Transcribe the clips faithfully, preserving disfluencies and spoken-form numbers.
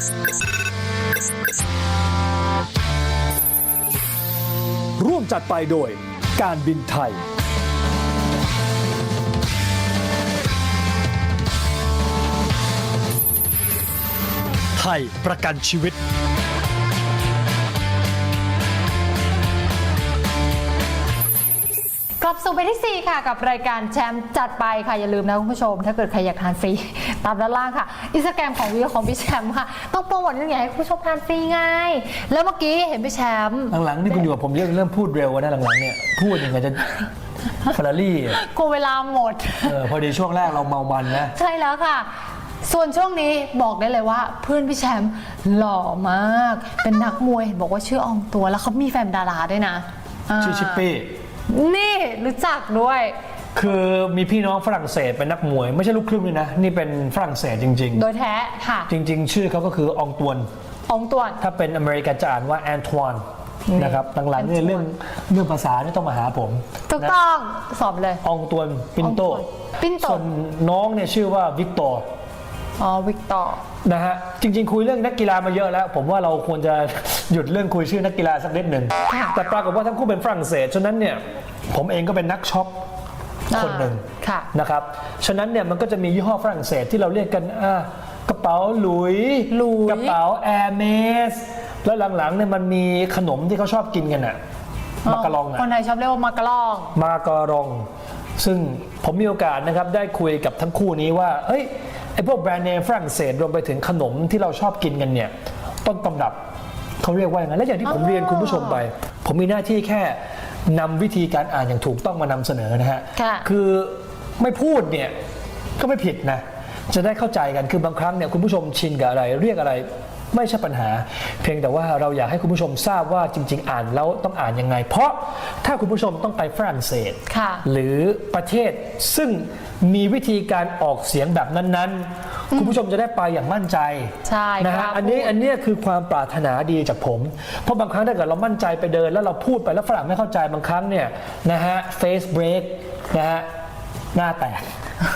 ร่วมจัดไปโดยการบินไทยไทยประกันชีวิตกลับสู่ไปที่สี่ค่ะกับรายการแชมป์จัดไปค่ะอย่าลืมนะคุณผู้ชมถ้าเกิดใครอยากทานฟรีตามด้านล่างค่ะอินสตาแกรมของวิวของพี่แชมป์ค่ะต้องโปรโมทยังไงให้คุณผู้ชมทานฟรีไงแล้วเมื่อกี้เห็นพี่แชมป์หลังๆนี่คุณอยู่กับผมเริ่มเริ่มพูดเร็วนะหลังๆเนี่ยพูดยังไงจะเฟอร์รารี่กูเวลาหมดเออพอดีช่วงแรกเราเมามันนะใช่แล้วค่ะส่วนช่วงนี้บอกได้เลยว่าเพื่อนพี่แชมป์หล่อมากเป็นนักมวยเห็นบอกว่าชื่ออองตัวแล้วเขามีแฟนดาราด้วยนะชื่อชิปปี้นี่รู้จักด้วยคือมีพี่น้องฝรั่งเศสเป็นนักมวยไม่ใช่ลูกครึ่งเลยนะนี่เป็นฝรั่งเศสจริงๆโดยแท้ค่ะจริงๆชื่อเขาก็คืออองตวนอองตวนถ้าเป็นอเมริกันจะอ่านว่าแอนทวานนะครับหลังๆเนี่ยเรื่องเรื่องภาษานี่ต้องมาหาผมถูกต้องสอบเลยอองตวนปินโตปินโตส่วนน้องเนี่ยชื่อว่าวิกตอร์อ๋อวิกตอร์นะฮะจริงๆคุยเรื่องนักกีฬามาเยอะแล้วผมว่าเราควรจะหยุดเรื่องคุยชื่อนักกีฬาสักนิดหนึ่งแต่ปรากฏว่าทั้งคู่เป็นฝรั่งเศสฉะนั้นเนี่ยผมเองก็เป็นนักช็อปคนหนึ่งนะครับฉะนั้นเนี่ยมันก็จะมียี่ห้อฝรั่งเศสที่เราเรียกกันอ่ากระเป๋าหลุยกระเป๋าแอร์เมสแล้วหลังๆเนี่ยมันมีขนมที่เขาชอบกินกันอ่ะมาการองอ่ะคนไทยชอบเรียกว่ามาการองมาการองซึ่งผมมีโอกาสนะครับได้คุยกับทั้งคู่นี้ว่าเอ้ยไอ้พวกแบรนด์เนมฝรั่งเศสรวมไปถึงขนมที่เราชอบกินกันเนี่ยต้นตำรับเขาเรียกว่าอย่างนั้นและอย่างที่ผมเรียนคุณผู้ชมไปผมมีหน้าที่แค่นำวิธีการอ่านอย่างถูกต้องมานำเสนอนะฮะคือไม่พูดเนี่ยก็ไม่ผิดนะจะได้เข้าใจกันคือบางครั้งเนี่ยคุณผู้ชมชินกับอะไรเรียกอะไรไม่ใช่ปัญหาเพียงแต่ว่าเราอยากให้คุณผู้ชมทราบว่าจริงๆอ่านแล้วต้องอ่านยังไงเพราะถ้าคุณผู้ชมต้องไปฝรั่งเศสหรือประเทศซึ่งมีวิธีการออกเสียงแบบนั้นๆคุณผู้ชมจะได้ไปอย่างมั่นใจใช่นะฮะอันนี้อันนี้คือความปรารถนาดีจากผมเพราะบางครั้งถ้าเกิดเรามั่นใจไปเดินแล้วเราพูดไปแล้วฝรั่งไม่เข้าใจบางครั้งเนี่ยนะฮะ face break นะฮะหน้าแตก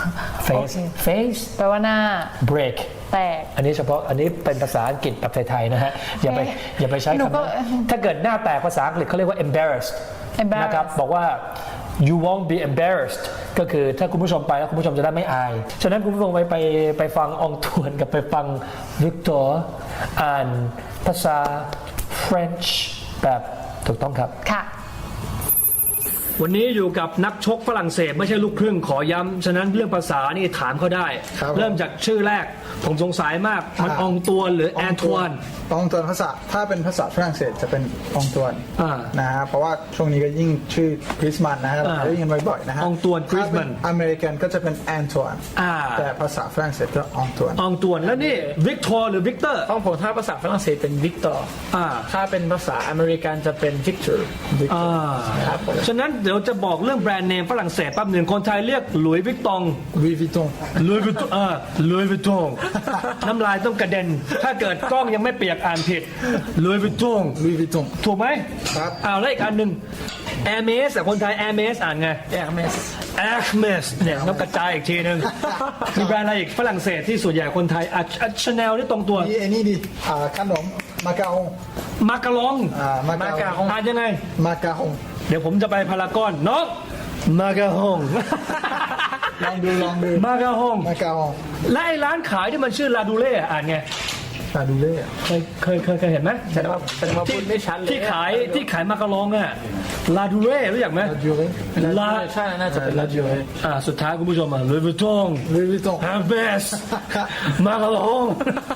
face face แปลว่าหน้า break แตกอันนี้เฉพาะอันนี้เป็นภาษาอังกฤษแบบไทยๆนะฮะอย่าไปอย่าไปใช้คำนั้นถ้าเกิดหน้าแตกภาษาอังกฤษเขาเรียกว่า embarrassed นะครับบอกว่า you won't be embarrassed ก็คือถ้าคุณผู้ชมไปแล้วคุณผู้ชมจะได้ไม่อายฉะนั้นคุณผู้ชมไปไปไปฟังอองตวนกับไปฟังวิกตอร์อ่านภาษา French แบบถูกต้องครับค่ะวันนี้อยู่กับนักชกฝรั่งเศสไม่ใช่ลูกครึ่งขอย้ำฉะนั้นเรื่องภาษานี่ถามเขาได้เริ่มจากชื่อแรกผมสงสัยมากมันอองตวนหรือแอนทวนอองตวนภาษาถ้าเป็นภาษาฝรั่งเศสจะเป็นอองตวนนะฮะเพราะว่าช่วงนี้ก็ยิ่งชื่อกริสมันนะฮะเราได้ยินบ่อยๆนะฮะอองตวนกริสมันอเมริกันก็จะเป็นแอนทวนแต่ภาษาฝรั่งเศสก็อองตวนอองตวนแล้วนี่วิกตอร์หรือวิกเตอร์ของผมถ้าภาษาฝรั่งเศสเป็นวิกตอร์ถ้าเป็นภาษาอเมริกันจะเป็นวิกเตอร์ฉะนั้นเดี๋ยวจะบอกเรื่องแบรนด์เนมฝรั่งเศสแป๊บหนึ่งคนไทยเรียกหลุยส์วิกตองหลุยส์วิกตองหลุยส์วิกตองอ่าหลุยส์วิกตองน้ำลายต้องกระเด็นถ้าเกิดกล้องยังไม่เปียกอ่านผิดหลุยส์วิกตองหลุยส์วิกตองถูกไหมครับอ้าวแล้วอีกอันหนึ่งแอร์เมสแต่คนไทยแอร์เมสอ่านไงแอร์เมสแอร์เมสเนี่ยต้องกระจายอีกทีนึงมีแบรนด์อะไรอีกฝรั่งเศสที่ส่วนใหญ่คนไทยอ่ะชาแนลนี่ตรงตัวนี่นี่ดิอ่าขนมมาการองมาการองอ่ามาการองอ่านยังไงมาการองเดี๋ยวผมจะไปพารากอนเนาะมาการองลองดูลองดูมาการองมาการองและไอ้ร้านขายที่มันชื่อลาดูเล่อ่านไงลาดูเล่เคยเคยเคยเคยเห็นไหมแสดงว่าแสดงว่าพูดไม่ชัดเลยที่ขายที่ขายมาการองอ่ะลาดูเล่รู้จักไหมลาดูเล่ลาใช่น่าจะเป็นลาดูเล่อ่าสุดท้ายคุณผู้ชมอ่ะลุยส์วิตตองลุยส์วิตตองแฮมเบสมาการอง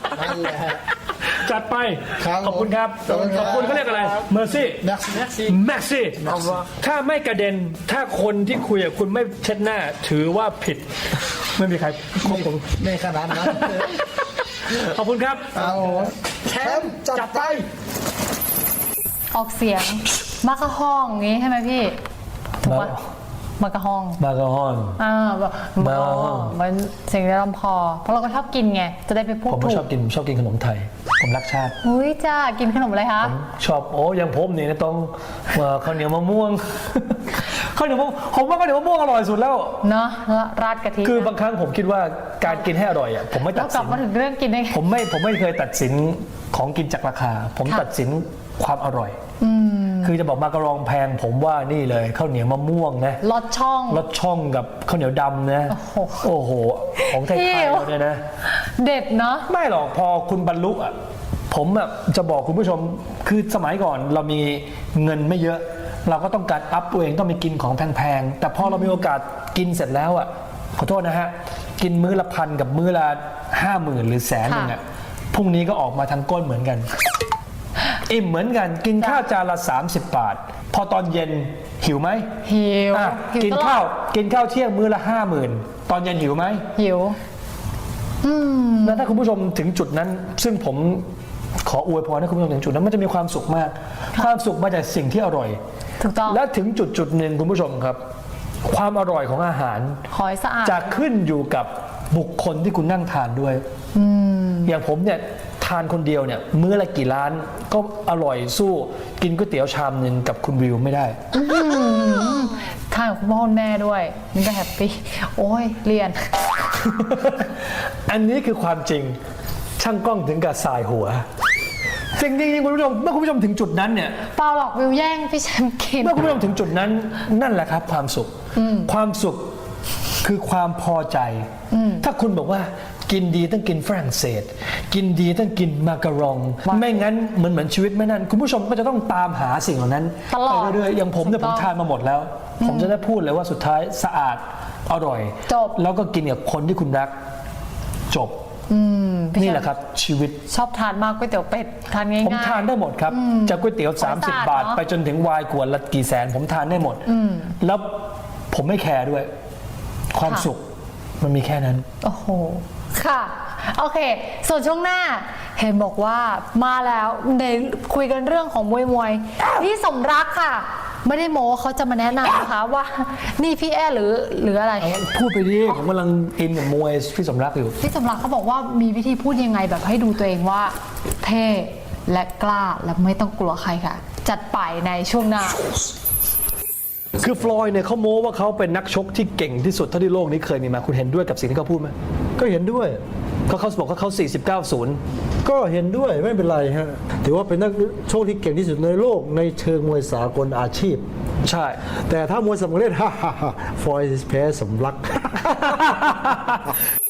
จัดไปขอบคุณครับขอบคุณเขาเรียกอะไรเมอร์ซี่แม็กซี่แม็กซี่ถ้าไม่กระเด็นถ้าคนที่คุยกับคุณไม่เช็ดหน้าถือว่าผิดไม่มีใครขอบคุณไม่ขนาดนั้นขอบคุณครับแชมป์จัดไปออกเสียงมากระห้องงี้ใช่ไหมพี่ถูกปะมากระห้องมากระห้องอ่าแบบมากระห้องมันเสียงในลำคอเพราะเราก็ชอบกินไงจะได้ไปพูดถูกผมชอบกินชอบกินขนมไทยผมรักชาติอุ้ยจ้ากินขนมอะไรคะชอบโอ้ยังผมนี่นะต้องข้าวเหนียวมะม่วงข้าวเหนียวมะผมว่าข้าวเหนียวมะม่วงอร่อยสุดแล้วเนาะแล้วราดกะทิคือบางครั้งผมคิดว่าการกินให้อร่อยอ่ะผมไม่แล้ตัว ดกลัสิบนมาถึงเรื่องกินได้ไงผมไม่ผมไม่เคยตัดสินของกินจากราคา ผมค่ะตัดสินความอร่อยคือจะบอกมากระรองแพงผมว่านี่เลยข้าวเหนียวมะม่วงนะลอดช่องรสช่องกับข้าวเหนียวดำนะโอ้โหโอ้โห ของไทยหิวๆเราเนี่ยนะเด็ดเนาะไม่หรอกพอคุณบรรลุอ่ะผมอ่ะจะบอกคุณผู้ชมคือสมัยก่อนเรามีเงินไม่เยอะ เราก็ต้องการอัพตัวเองต้องไปกินของแพงๆแต่พอเรามีโอกาสกินเสร็จแล้วอ่ะขอโทษนะฮะกินมื้อละพันกับมื้อละห้าหมื่นหรือแสนหนึ่งอ่ะพรุ่งนี้ก็ออกมาทางก้นเหมือนกันอิ่มเหมือนกันกินข้าวจานละสามสิบบาท พอตอนเย็นหิวไหมหิวอ่ะหิวกินตลอดข้าวกินข้าวเที่ยงมื้อละห้าหมื่นตอนเย็นหิวไหมหิว อืมแล้วถ้าคุณผู้ชมถึงจุดนั้น ซึ่งผมขออวยพรให้คุณผู้ชมถึงจุดนั้นมันจะมีความสุขมาก ความสุขมาจากสิ่งที่อร่อยถูกต้องและถึงจุดจุดหนึ่งคุณผู้ชมครับ ความอร่อยของอาหารขอให้สะอาดจะขึ้นอยู่กับบุคคลที่คุณนั่งทานด้วยอย่างผมเนี่ยทานคนเดียวเนี่ยมื้อละกี่ร้านก็อร่อยสู้กินก๋วยเตี๋ยวชามหนึ่งกับคุณวิวไม่ได้ทานกับคุณพ่อคุณแม่ด้วยนี่ก็แฮปปี้โอ้ยเรียนอันนี้คือความจริงช่างกล้องถึงกับสายหัวสิ่งจริงๆคุณผู้ชมเมื่อคุณผู้ชมถึงจุดนั้นเนี่ยเปล่าหรอกวิวแย่งพี่แชมป์กินเมื่อคุณผู้ชมถึงจุดนั้นนั่นแหละครับความสุขความสุขคือความพอใจ ถ้าคุณบอกว่ากินดีต้องกินฝรั่งเศส กินดีต้องกินมาการอง ไม่งั้นเหมือนเหมือนชีวิตไม่นั่นคุณผู้ชมก็จะต้องตามหาสิ่งเหล่านั้นตลอดไปเรื่อยๆอย่างผมเนี่ยถูผกมต้องทานมาหมดแล้ว ผมจะได้พูดเลยว่าสุดท้ายสะอาดอร่อยจบแล้วก็กินกับคนที่คุณรักจบพี่นี่ชมป์แหละครับชีวิตชอบทานมากก๋วยเตี๋ยวเป็ดทานง่ายๆผมทานได้หมดครับจากก๋วยเตี๋ยวขอให้ 30 สะอาดบาทเนอะไปจนถึงไวน์ขวดละกี่แสน ผมทานได้หมด แล้วผมไม่แคร์ด้วย ความสุขมันมีแค่นั้นโอ้โห ค่ะ โอเค ส่วนช่วงหน้า เห็นบอกว่ามาแล้วในคุยกันเรื่องของมวยมวยพี่สมรักค่ะ ไม่ได้โม้เขาจะมาแนะนำนะคะว่า นี่พี่แอหรือหรืออะไรพูดไปดิผมกำลังอินกับมวยพี่สมรักอยู่พี่สมรักเขาบอกว่ามีวิธีพูดยังไงแบบให้ดูตัวเองว่า เท่และกล้าและไม่ต้องกลัวใครค่ะ จัดไปในช่วงหน้าคือฟลอยด์เนี่ยเขาโม้ว่าเขาเป็นนักชกที่เก่งที่สุดเท่าที่โลกนี้เคยมีมาคุณเห็นด้วยกับสิ่งที่เขาพูดไหมก็เห็นด้วยเขาเขาบอกว่าเขาสี่สิบเก้า ศูนย์ก็เห็นด้วยไม่เป็นไรฮะถือว่าเป็นนักโชคที่เก่งที่สุดในโลกในเชิงมวยสากลอาชีพใช่แต่ถ้ามวยสมัครเล่น ฮ่าฮ่าฮ่าฟอยส์แพ้สมรัก